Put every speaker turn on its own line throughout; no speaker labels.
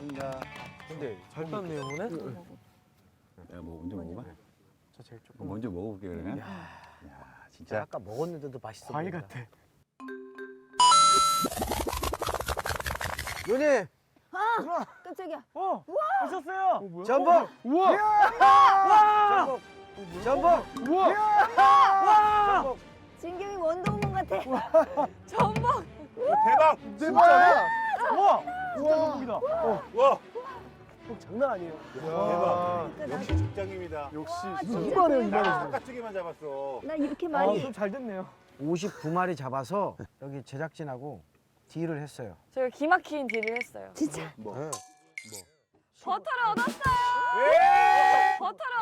반갑습니다.
근데 잘 땄네요, 오늘.
내가 뭐 먼저 먹어봐.
저 제일 조금.
먼저 먹어볼게 그러면. 야, 진짜.
아까 먹었는데도 맛있어.
과일
보인다.
같아.
누님,
깜짝이야.
오셨어요?
전복.
우와!
전복.
우와!
전복.
진경이 원더우먼 같아.
전복.
대박!
진짜네? 우와! 진짜
우와.
전복이다.
와,
장난 아니에요.
대박. 역시 족장입니다.
역시
와,
이거
진짜
이만해요,
크다.
이만해.
바깥쪽에만 잡았어.
나 이렇게
아,
많이.
좀 잘 됐네요.
59마리 잡아서 여기 제작진하고 딜을 했어요.
저희가 기막힌 딜을 했어요.
진짜.
뭐?
네.
버터를 얻었어요. 버터를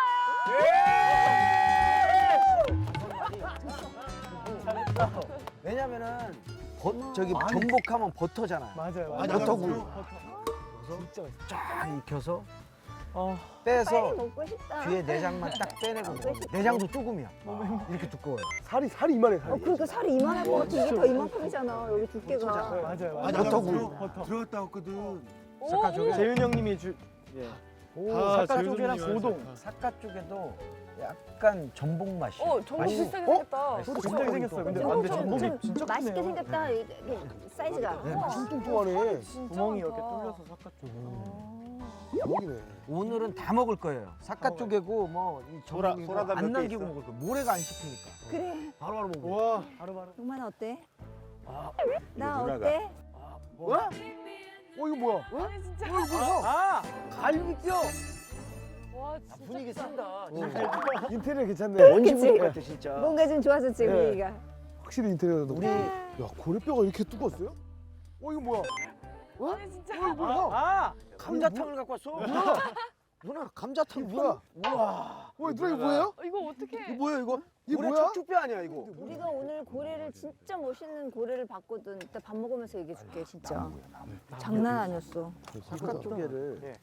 얻었어요.
왜냐면은 저기 전복하면 버터잖아요.
맞아요.
버터구이.
진짜 맛있어.
쫙 익혀서
아,
빼서
빨리 먹고 싶다.
뒤에 내장만 딱 빼내고 먹으면 내장도 조금이야. 이렇게 두꺼워요.
살이 이만해, 살이.
그러니까 살이 이만할 것 같아. 이게 더 이만큼이잖아. 여기 두께가.
맞아요.
버터구이.
버터.
들어갔다 왔거든.
사카 쪽에
재윤 형님이
오,
다
사카
재윤
쪽이랑
형님이
고동.
하세요.
사카 쪽에도 약간 전복 맛이야.
전복
맛있어.
비슷하게 생겼다.
저도 비슷하게 생겼어요. 근데
전복
근데
좀
전복이 진짜
맛있게
크네요.
생겼다. 이게 사이즈가.
네,
우와.
뚱뚱하네.
진짜
구멍이
많다.
이렇게 뚫려서 삭가 쪽.
대박이네. 오늘은 다 먹을 거예요. 사카 쪽이고 뭐이 전복이고
소라다
안
몇개
남기고
있어?
먹을 거예요. 모래가 안 씹히니까.
그래.
바로바로 먹어.
와, 바로바로.
용만아 어때?
아,
나
누나가.
어때?
뭐?
이거 뭐야?
아니 진짜.
아, 갈비뼈.
와 진짜.
분위기
크다.
쓴다.
인테리어 괜찮네.
원시분
그치?
같아 진짜.
뭔가 좀 좋아졌지
네.
분위기가.
확실히 인테리어도.
우리
야, 고래뼈가 이렇게 두껍어요? 이거 뭐야?
아니 진짜.
이거 뭐야?
감자탕을 갖고 왔어. 누나 감자탕
뭐야?
우와.
누나 이거 뭐예요?
이거 어떻게?
이거 뭐야 이거?
이게
고래
뭐야?
척추뼈 아니야 이거?
우리가 오늘 고래를 진짜 멋있는 고래를 봤거든. 이따 밥 먹으면서 얘기해 줄게 진짜. 장난 아니었어.
사카 쪽에를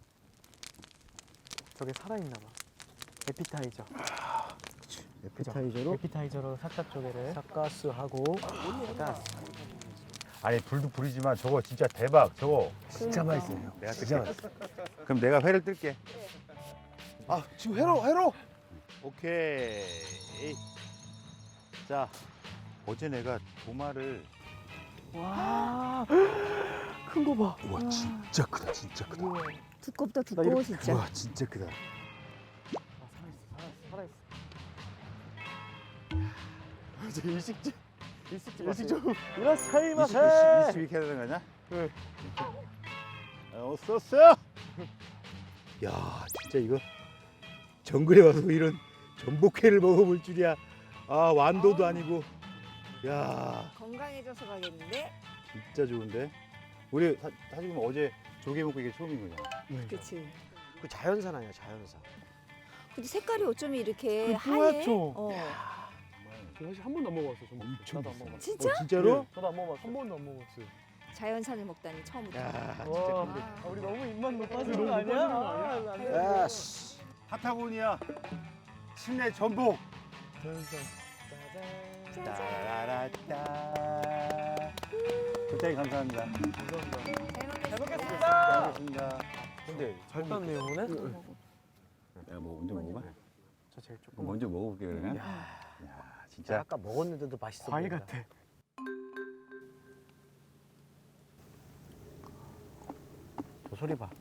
저게 살아있나 봐. 에피타이저.
에피타이저로
에피타이저로 사카 쪽에를.
사카스하고 일단
아니 불도 불이지만 저거 진짜 대박. 저거
진짜 맛있어요.
내가 뜰게. 그럼 내가 회를 뜰게.
아, 지금 회로.
오케이. 자, 어제 내가 도마를
와, 큰 거 봐.
와 진짜 크다, 진짜 크다.
두껍다
나
두꺼워
이렇게-
진짜.
와 진짜 크다.
살아있어. 이제 일식집. 이라사이마세.
22 해야 되는 거냐?
네.
어쏘쏘. 야, 진짜 이거 정글에 와서 이런 전복회를 먹어볼 줄이야. 아, 완도도 아니고. 야,
건강해져서 가겠는데?
진짜 좋은데. 우리 사실 보면 어제 조개 먹고 이게 처음인 거잖아.
그치.
그 자연산 아니야 자연산.
근데 색깔이 어쩜 이렇게
그
하얘?
뿌옇죠?
어.
저 사실 한 번도 안 먹어봤어. 저
엄청
나도 안
비싸.
먹어봤어.
진짜?
진짜로?
저도 안 먹어봤어. 한 번도 안 먹어봤어요.
자연산을 먹다니 처음부터.
야, 진짜
와,
큰데.
우리 너무 입만 높아지는
너무
거 아니야?
높아지는 거
아니야?
예스.
파타고니아 실내 전복.
자연산.
따라라따. 굉장히 감사합니다.
잘 먹겠습니다.
잘 먹겠습니다.
근데
잘 땄네요, 오늘.
내가 뭐 먼저 먹어봐.
저 제일 조금.
먼저 먹어볼게 그러면. 야, 진짜.
아까 먹었는데도 맛있어.
과일
보인다.
같아.
저 소리 봐.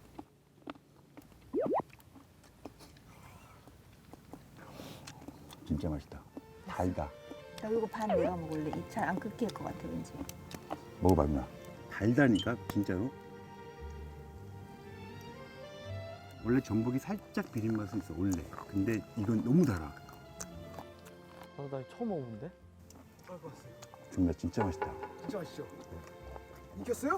진짜 맛있다. 달다.
나 이거 반 내가 먹을래. 이 잘 안 끊길 것 같아 왠지.
먹어봐 누나. 달다니까 진짜로. 원래 전복이 살짝 비린 맛은 있어 원래. 근데 이건 너무 달아.
나 처음 먹어본데?
정말 진짜 맛있다.
진짜 맛있죠? 이겼어요?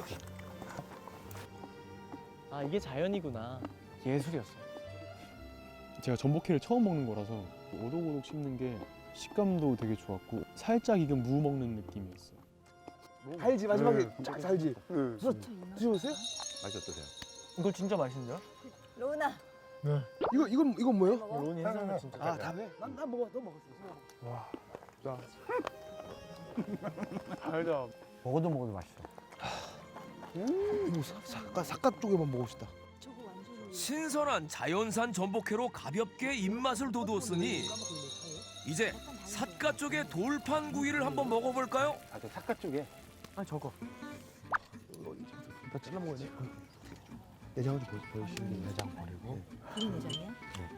아, 이게 자연이구나. 예술이었어요.
제가 전복회를 처음 먹는 거라서 오독오독 씹는 게 식감도 되게 좋았고 살짝 익은 무 먹는 느낌이었어요.
달지 마지막에 쫙 달지. 드셔보세요?
맛이 어떠세요?
이거 진짜 맛있는데요?
로나.
이건 뭐예요?
먹어?
로니 해산은 진짜.
아 다음에
난 먹어. 너 먹었어. 와, 나 달다.
먹어도 맛있어.
이거 삿갓 쪽에만 먹고 싶다.
신선한 자연산 전복회로 가볍게 입맛을 돋우었으니 이제 삿갓 쪽의 돌판구이를 한번 먹어볼까요?
아, 저 삿갓 쪽에.
아니 저거. 나 잘라 먹어야지. 내장을 좀 보여주시면 내장 버리고.
무슨 내장이야?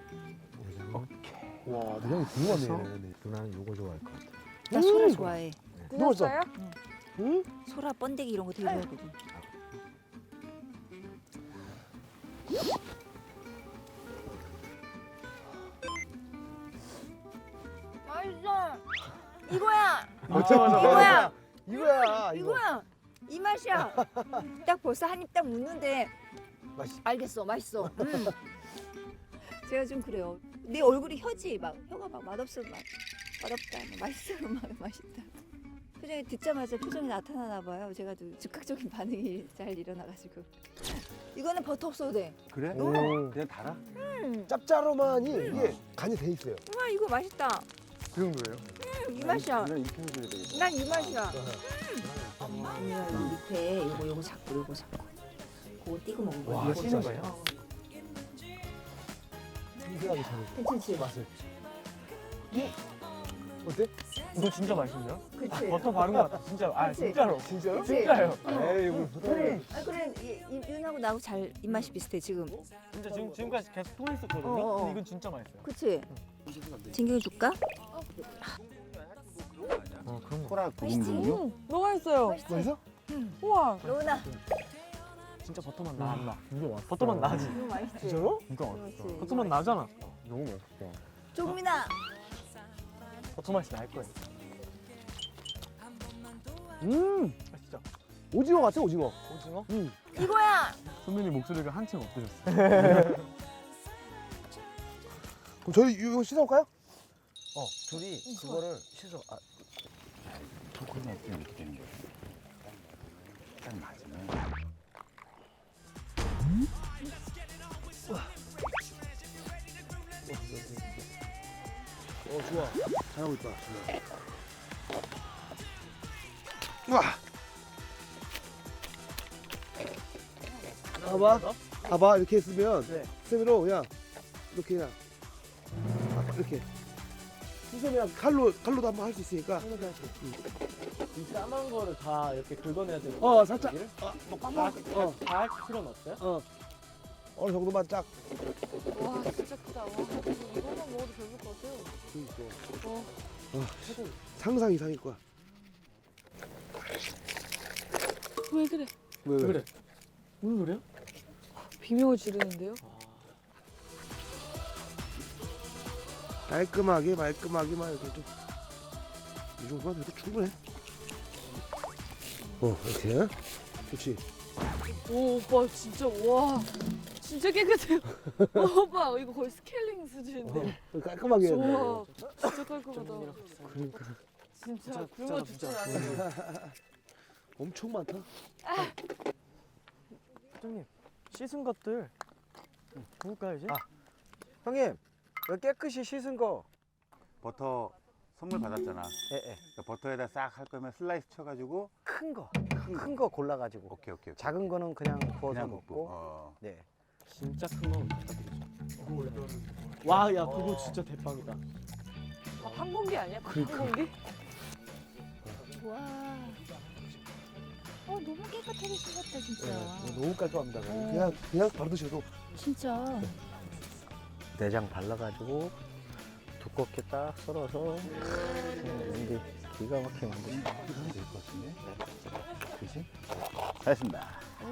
와 내장이 궁금하네. 누나는 요거 좋아할 것 같아.
나 소라 좋아해.
끝났어요?
응?
소라 번데기 이런 거 되게 좋아하거든. 맛있어. 이거야. 이거야.
이거야.
이거야. 이 맛이야. 딱 벌써 한 입 딱 묻는데
맛있.
알겠어. 맛있어. 제가 좀 그래요. 내 얼굴이 혀지 막 혀가 막 맛없어 막 맛없다 막 맛있어 막 맛있다. 표정이 듣자마자 표정이 나타나나 봐요. 제가 좀 즉각적인 반응이 잘 일어나가지고. 이거는 버터 없어도 돼.
그래?
오.
그냥 달아?
짭짤하만이 이게 간이 돼 있어요.
와 이거 맛있다.
그 정도예요?
이 맛이야.
그냥 이렇게 해줘야 되겠다.
난 이 맛이야. 언니가 이 밑에 요거 잡고 그거 띄고 먹는 거야.
와,
이거
씌는
진짜.
거예요? 신기하게 잘.
괜찮지?
맛을. 어때?
이거 진짜 맛있는데요?
그치?
버터 바른 것 같아. 진짜. 아
그치?
진짜로.
진짜로?
진짜요.
에이 이거
그래. 아 그래 윤하고 나하고 잘 입맛이 비슷해 지금.
진짜 지금까지 계속 통했었거든요.
어.
근데 이건 진짜 맛있어요.
그치? 진경이 줄까?
그런 거.
소라 구운군요.
너무 맛있어요.
맛있어?
우와.
로운아.
진짜 버터만 나 안 나. 이거 맛. 버터만 나지.
이거 맛있지?
진짜로?
이거
그렇지.
버터만 나잖아.
너무 맛있다.
조금이나.
버터 맛이 날 거예요. 아 진짜.
오징어 같아 오징어.
오징어?
이거야.
선배님 목소리가 한층 어떠셨어요?
그럼 저희 이거 씻어볼까요?
둘이 그거를 씻어. 아,
그러면 이렇게 되는 거야. 딱 맞으면.
좋아. 잘하고 있다. 와. 봐봐 이렇게 했으면 쌤으로 그냥 이렇게 그냥 이렇게 쌤이랑 칼로도 한번 할 수 있으니까.
이 까만 거를 다 이렇게 긁어내야 되는
살짝.
다할 필요는 없어요?
어느 정도만 쫙.
와 진짜 크다. 와 이것만 먹어도 배부를 것 같아요.
상상 이상일 거야.
왜 그래?
왜
그래. 무슨 소리야?
비명을 지르는데요?
말끔하게만 이렇게 좀. 이 정도만 해도 충분해. 이렇게. 그렇지.
오 오빠 진짜 와 진짜 깨끗해요. 오빠 이거 거의 스케일링 수준인데.
깔끔하게 해야 돼.
와 진짜 깔끔하다.
그러니까.
진짜 굶어 죽지 않아요.
엄청 많다.
사장님 씻은 것들 구울까요 이제?
형님 여기 깨끗이 씻은 거.
버터 선물 받았잖아.
예.
그러니까 버터에다 싹 할 거면 슬라이스 쳐가지고
큰 거. 큰 거 골라가지고.
오케이.
작은 거는 그냥 구워서
그냥
먹고.
먹고.
네.
진짜 큰 거 부탁드리죠. 와, 야 그거 진짜 대박이다.
한 공기 아니야? 한 공기?
와. 너무 깨끗하게 씻었다 진짜.
너무 깔끔합니다. 그냥 바로 드셔도.
진짜.
내장 발라가지고 두껍게 딱 썰어서 왠지 기가 막히게 만들어.
이거 될것 같은데? 그지? 잘했습니다.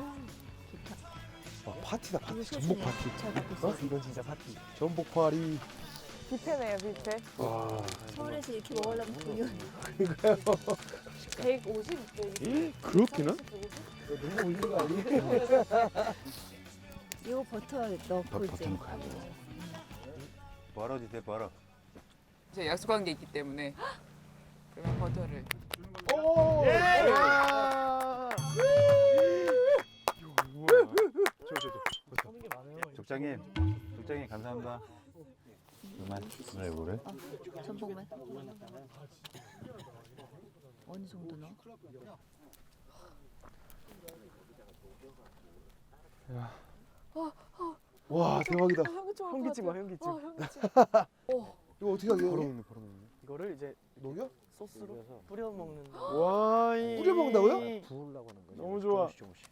파티다 파티. 전복 파티.
잘 갖고 있어.
이건 진짜 파티. 전복 파리.
뷔페네요 뷔페.
와.
서울에서 이렇게 먹으려면 돈이
150.
그렇게나?
150?
너무 올린 거 아니에요?
이거 버터 넣고
버터
이제.
넣고 해야 돼. 벌어지세요, 벌어.
제가 약속한 게 있기 때문에 그러면 버터를
오!
하는 게 많아요.
족장님 감사합니다. 그만 그래 뭐래?
전복만. 어느 정도 넣어?
와 대박이다.
현기증 와 현기증.
현기증.
이거 어떻게 하게?
바로 먹네 바로 먹네.
이거를 이제
녹여?
소스로 뿌려 먹는.
와
뿌려 먹는다고요?
부으려고 하는 거죠.
너무 좋아.
조금씩.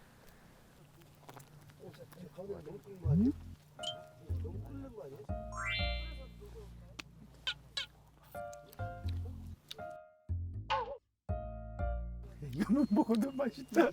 이거만 먹어도 맛있다.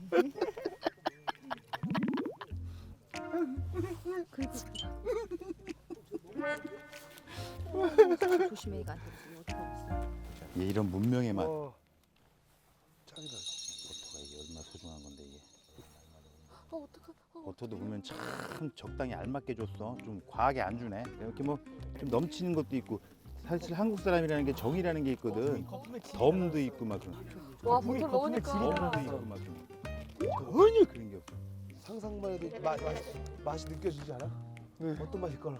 조심해 이거 안 떨어지게 어떻게 하겠어.
얘 이런 문명의 맛.
짱이다.
버터가 이게 얼마나 소중한 건데 이게.
어떡하.
버터도 보면 참 적당히 알맞게 줬어. 좀 과하게 안 주네. 이렇게 뭐 좀 넘치는 것도 있고. 사실 한국 사람이라는 게 정이라는 게 있거든. 덤도 있고 막 그런.
와 버터 넣으니까.
덤도 있고 막 그런. 전혀 그런 게 없어.
상상만 해도 맛이 느껴지지 않아? 어떤 맛일까?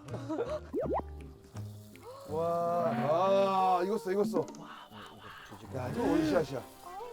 와, 익었어. 야, 이거 원샷이야.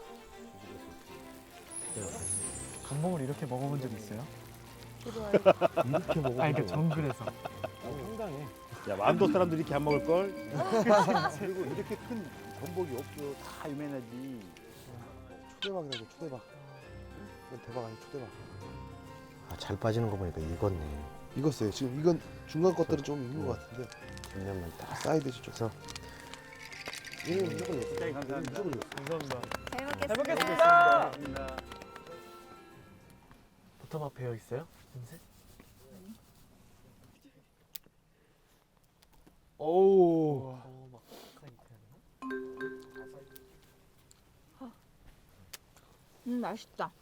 감봉을 이렇게 먹어본 적 있어요?
좋아요.
이렇게 먹어. 그러니까 정글에서.
상당해.
야, 완도 사람들이 이렇게 안 먹을 걸. 그리고 이렇게 큰 전복이 없어. 다 유명하지.
초대박이다, 이거 초대박. 이건 대박 아니야, 초대박.
아, 잘 빠지는 거 보니까 익었네.
익었어요. 지금 이건 중간 것들은 좀 익은 것 같은데
양념만 딱.
사이드 쪽에서. 얘는 무조건 익었어.
굉장히 감사합니다.
무조건 익었어.
감사합니다.
잘 먹겠습니다.
버터맛 배어 있어요? 냄새?
오우.
막
맛있다.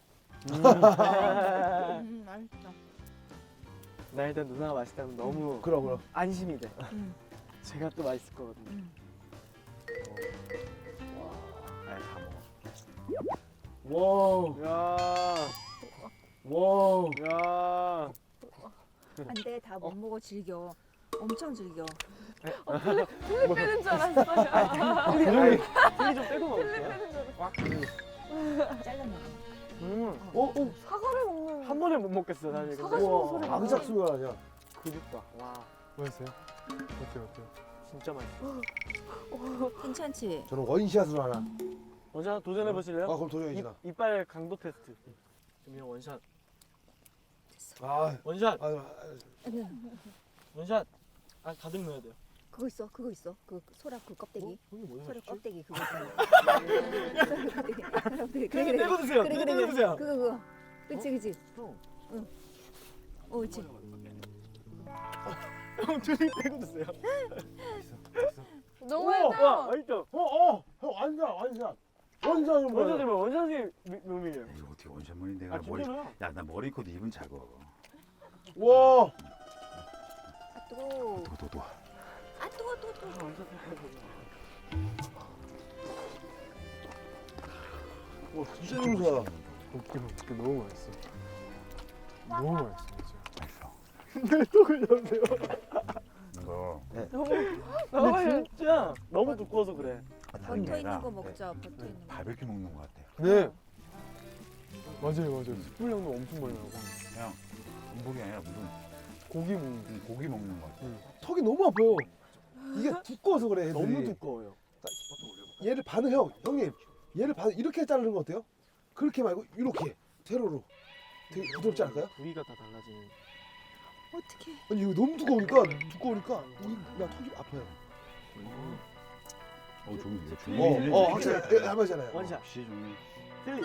맛있다.
나 일단 누나가 맛있다면 너무
그럼.
안심이 돼.
음.
제가 또 맛있을 거거든요.
와우.
야.
와우.
야.
안돼 다 못 먹어 즐겨. 엄청 즐겨.
틀리 빼는 줄 알았어요.
틀리 좀 빼고 먹을게요.
잘라 먹어.
사과를 먹는.
한 번에 못 먹겠어 사실. 근데.
사과 씹는 소리.
앙삭 소리가 나냐?
그립다. 와,
뭐였어요? 어때요?
진짜 맛있어.
괜찮지?
저는 원샷으로 하나.
원샷 도전해 보실래요?
그럼 도전이다.
이빨 강도 테스트. 그러면 원샷.
아,
원샷.
응.
원샷. 아 가득 넣어야 돼요.
그거 있어. 그 소라 그 껍데기. 소라 껍데기 그거. 그래.
떼고 드세요.
그래.
떼고 드세요.
그거. 그치. 응. 그치.
형 둘이 떼고 드세요.
너무
와,
했다.
맛있죠.
형 원샷. 원샷은 뭐야?
원샷이면 원샷이 묘미예요.
이거 어떻게 원샷머리 내가
아
머리.
진짜요?
야, 나 머리 코도 입은 작어.
와.
아 뜨거워.
도도도.
아 뜨거워.
와, 진짜 좋아.
웃겨 너무 맛있어. 너무 맛있어 진짜.
맛있어.
근데 또 그러세요.
이거
너무
근데 진짜 너무 두꺼워서 그래.
버터 있는 거 먹자. 버터 있는 거.
바베큐 먹는 것 같아.
네. 맞아요. 숯불향도 엄청 많이 나고.
그냥 전복이 아니라 무슨
고기 먹는.
고기 먹는 것 같아.
턱이 너무 아파요. 이게 두꺼워서 그래. 애들이.
너무 두꺼워요.
얘를 반을 형님. 얘를 반 이렇게 자르는 거 어때요? 그렇게 말고 이렇게 세로로. 되게 부드럽지 않을까요?
부위가 다 달라지는.
어떻게?
아니 이거 너무 두꺼우니까 나 턱이 아파요.
좀 이거 종이.
확실히 할만하잖아요.
원샷.
역시 종이.
틀리.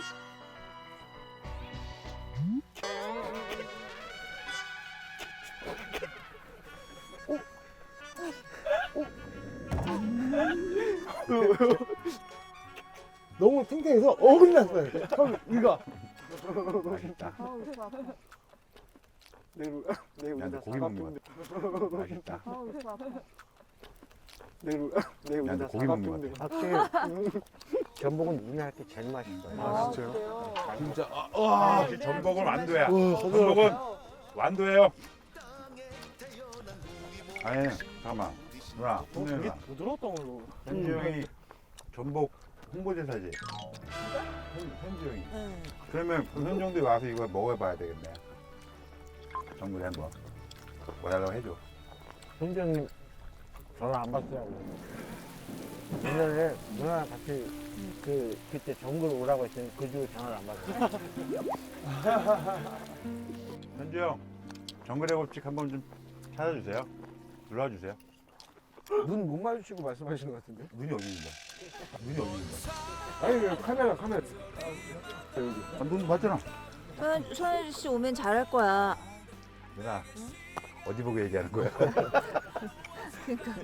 너무 탱탱해서 어금니 났어요. 턱 이거.
맛있다.
아우 속 아파.
내일
야, 근데 고기 먹는 것 같아. 맛있다.
아우 속 아파.
내일
야, 근데 고기 먹는 것 같아.
전복은 누나 할때 제일 맛있어요.
아, 진짜요?
그래요?
진짜
역시 전복은 완도야.
와,
전복은 완도예요. 아니, 잠깐만. 누나,
되게
누나.
부드러웠던 걸로.
현주 형이 전복 홍보대사지. 현주영이. 그러면 그 현정도에 와서 이거 먹어봐야 되겠네. 정글에 한번 뭐달라고 해줘.
현정님 전화 안 받더라고. 옛날에 누나랑 같이 그때 정글 오라고 했더니 그 주로 전화를 안 받았어.
현주영, 정글의 법칙 한번 좀 찾아주세요. 눌러주세요.
눈 못 마주치고 말씀하시는 것 같은데?
눈이 어디 있는데? 눈이 어디 있는데?
아니 카메라.
아, 눈 봤잖아.
손혜주 씨 오면 잘할 거야.
누나, 어디 보고 얘기하는 거야?
그러니까.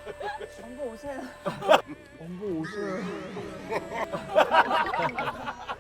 엄마 오세요.
엄마 오세요.